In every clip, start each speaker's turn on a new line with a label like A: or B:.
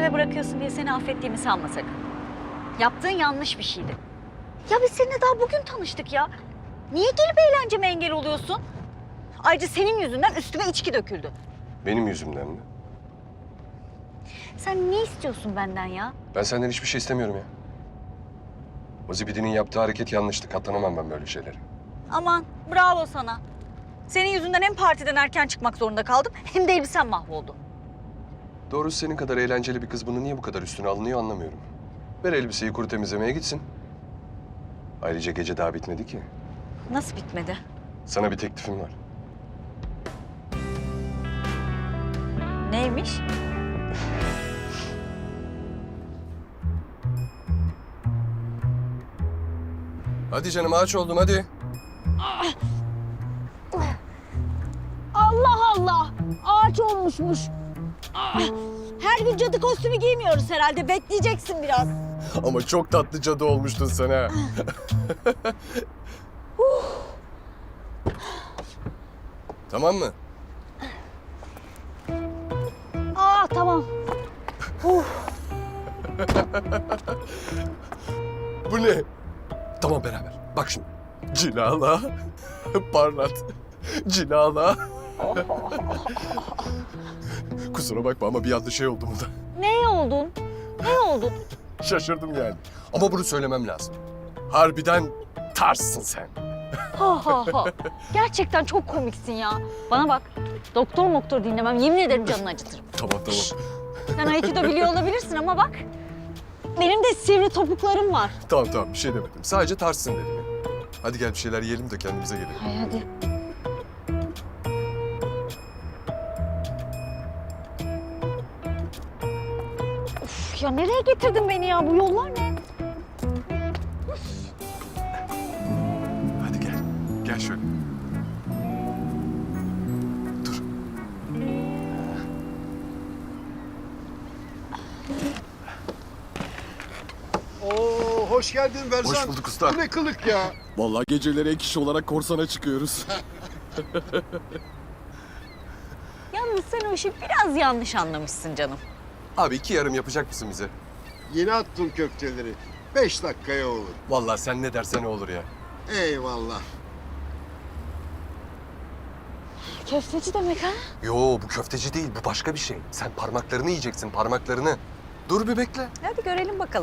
A: peşime bırakıyorsun diye seni affettiğimi sanma sakın. Yaptığın yanlış bir şeydi. Ya biz seninle daha bugün tanıştık ya. Niye gelip eğlenceme engel oluyorsun? Ayrıca senin yüzünden üstüme içki döküldü.
B: Benim yüzümden mi?
A: Sen ne istiyorsun benden ya?
B: Ben senden hiçbir şey istemiyorum ya. O zibidinin yaptığı hareket yanlıştı. Katlanamam ben böyle şeylere.
A: Aman bravo sana. Senin yüzünden hem partiden erken çıkmak zorunda kaldım hem de elbisem mahvoldu.
B: Doğrusu senin kadar eğlenceli bir kız bunu niye bu kadar üstüne alınıyor anlamıyorum. Ver elbiseyi kuru temizlemeye gitsin. Ayrıca gece daha bitmedi ki.
A: Nasıl bitmedi?
B: Sana bir teklifim var.
A: Neymiş?
B: Hadi canım aç oldum hadi.
A: Allah Allah! Ağaç olmuşmuş. Her gün cadı kostümü giymiyoruz herhalde. Bekleyeceksin biraz.
B: Ama çok tatlı cadı olmuştun sen ha. Tamam mı?
A: Tamam.
B: Bu ne? Tamam beraber. Bak şimdi. Cilala, parlat, cilala. Kusura bakma ama bir anda şey oldu burada.
A: Ne oldun? Ne oldun?
B: Şaşırdım yani. Ama bunu söylemem lazım. Harbiden tarzsın sen.
A: Ha. Gerçekten çok komiksin ya. Bana bak. Doktor dinlemem. Yemin ederim canını acıtırım.
B: Tamam.
A: Sen Aikido biliyor olabilirsin ama bak. Benim de sivri topuklarım var.
B: Tamam bir şey demedim. Sadece tarzsın dedim ya. Hadi gel bir şeyler yiyelim de kendimize gelelim.
A: Hadi. Of ya nereye getirdin beni ya? Bu yollar ne?
B: Hadi gel. Gel şöyle. Dur.
C: Oo, hoş geldin Berzan.
B: Hoş bulduk usta.
C: Bu ne kılık ya?
B: Vallahi geceleri ek iş olarak korsana çıkıyoruz.
A: Yalnız sen o işi biraz yanlış anlamışsın canım.
B: Abi 2 yarım yapacak mısın bize?
C: Yeni attım köfteleri. 5 dakikaya olur.
B: Vallahi sen ne dersen o olur ya.
C: Eyvallah.
A: Köfteci demek ha?
B: Yo bu köfteci değil bu başka bir şey. Sen parmaklarını yiyeceksin parmaklarını. Dur bir bekle.
A: Hadi görelim bakalım.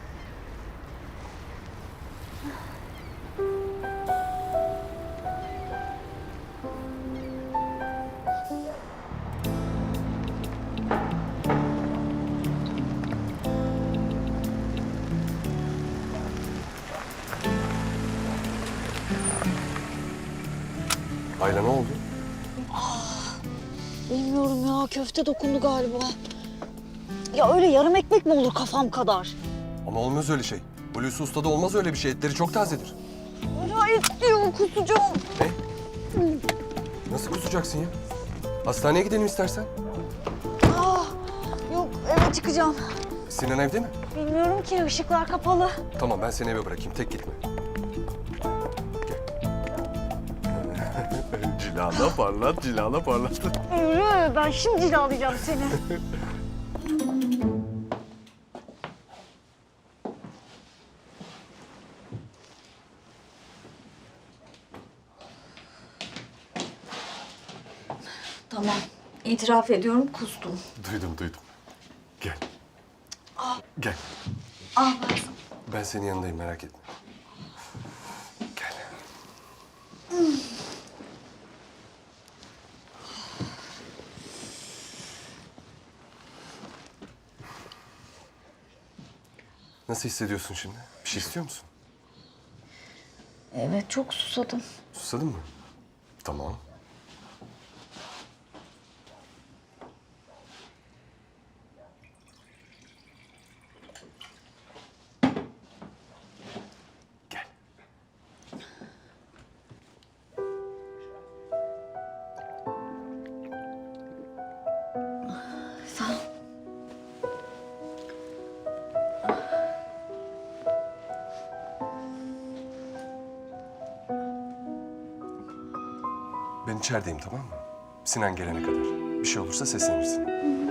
B: Ayla ne oldu?
A: Bilmiyorum ya köfte dokundu galiba. Ya öyle yarım ekmek mi olur kafam kadar?
B: Ama olmaz öyle şey. Hulusi Usta'da olmaz öyle bir şey. Etleri çok tazedir.
A: Ya et diyor kusacağım.
B: Ne? Nasıl kusacaksın ya? Hastaneye gidelim istersen.
A: Yok eve çıkacağım.
B: Sinan evde mi?
A: Bilmiyorum ki ışıklar kapalı.
B: Tamam ben seni eve bırakayım. Tek gitme. Gel. Cilala parlat.
A: Yürü ben şimdi cilalayacağım seni. Tamam. İtiraf ediyorum kustum.
B: Duydum. Gel. Gel.
A: Bazen.
B: Ben senin yanındayım merak etme. Gel. Nasıl hissediyorsun şimdi? Bir şey istiyor musun?
A: Evet çok susadım.
B: Susadın mı? Tamam. Gel.
A: Sağ ol.
B: Ben içerideyim tamam mı? Sinan gelene kadar. Bir şey olursa seslenirsin.